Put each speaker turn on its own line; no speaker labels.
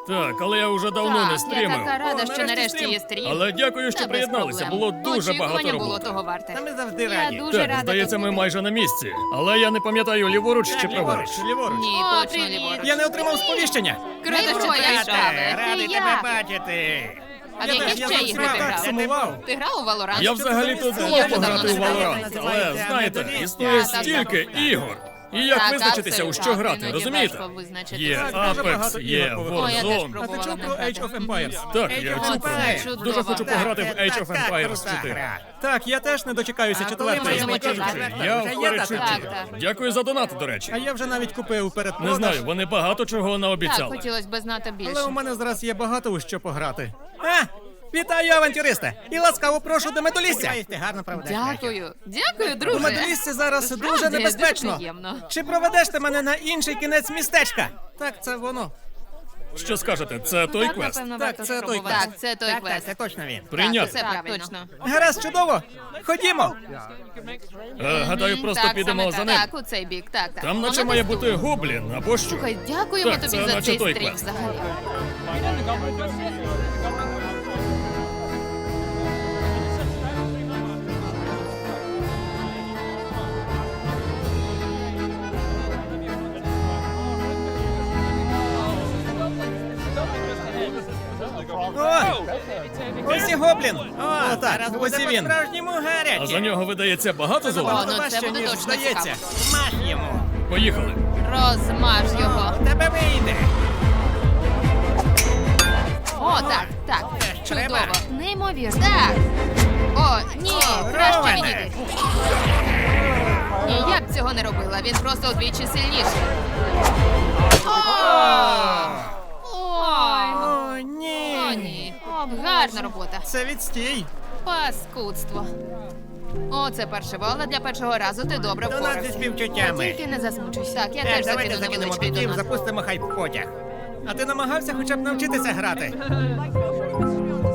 Так, але я вже давно не
Так, я
стрімив.
така рада,
О,
що
нарешті
нарешті
стрім.
є стрім.
Але дякую, що
Та без
приєдналися.
проблем.
Було дуже багато
Очікування було
роботи.
того варте.
Та ми завжди
Я
раді.
дуже рада
Так, здається,
тут
ми
бути.
майже на місці. Але я не пам'ятаю, ліворуч чи праворуч.
Ліворуч.
Ні,
О,
точно
привіт.
ліворуч.
Я не отримав сповіщення.
Круто, що ти
Привіт.
грав.
Радий
Ти
тебе
як?
бачити.
А в
Я
які
теж,
ще
я
ігри ти
так
грав?
сумував.
Ти грав у Valorant?
Я взагалі-то
Я
думав
вже
пограти у
давно не
Valorant,
грав.
але знаєте, існує
Так, так,
стільки
так.
ігор. І як
Так,
визначитися, у
абсолютно.
що грати,
Іноді
розумієте?
важко визначити.
Є
Так, дуже
Apex,
багато
є
ігор повинно.
О, я теж
Warzone.
А ти
пробувала
чув
не
про
грати.
Age of Empires?
Так,
Age
я
of
чув.
Empires.
Чудово.
Дуже хочу
Так,
пограти в Age of Empires
крута
4.
гра. Так, я теж не дочекаюся
А
четвертої.
коли ми
Чесно
будемо
кажучи,
чекати?
я
Вже
в
є
передчутті.
дата? Так, так.
Дякую за донат, до
А
речі.
я вже навіть купив передпродаж.
Не знаю, вони багато чого
Так,
наобіцяли.
хотілося б знати
Але у
більше.
мене зараз є багато у що пограти. Вітаю, авантюристи! І ласкаво прошу до медолісся.
Дякую. Дякую,
У
друже.
медоліссі зараз
Справді,
дуже небезпечно.
дуже приємно.
Чи проведеш ти мене на інший кінець містечка? Так, це воно.
Що скажете, це той
Так,
квест?
напевно,
Так,
варто
це той
спробувати.
квест.
Так, це той квест.
це точно він.
Прийняти.
Так, все правильно. Точно.
Гаразд, чудово! Ходімо!
Гадаю, просто
Так,
підемо
саме
за
так.
ним.
Так, у цей бік, так, так.
Там наче
Воно
має
десь
бути
тут.
гоблін або що.
Слухай, дякуємо
Так,
тобі
це
за
наче
цей
той
стрім
квест.
взагалі.
О! Ось і гоблін! О, так, ось і він. Справжньому
А за нього видається багато золота.
О, ну це буде точно
здається.
цікаво.
Смаж йому.
Поїхали.
Розмаж його.
У тебе вийде.
О, так, так.
Це ж треба.
Чудово. Неймовірно. Так. О, ні, краще
Роване.
відійди. Ні, я б цього не робила. Він просто удвічі сильніший. Ой.
О, ні.
О, ні. Гарна робота.
Це відстій.
Паскудство. О, це паршиво, але для першого разу ти добре
До нас зі
впорався.
співчуттями.
Тільки не засмучуйся. Так, я
Так,
теж
давайте
закину
закинемо
невеличкий
бітів,
донат.
запустимо хайп-потяг. А ти намагався хоча б навчитися грати?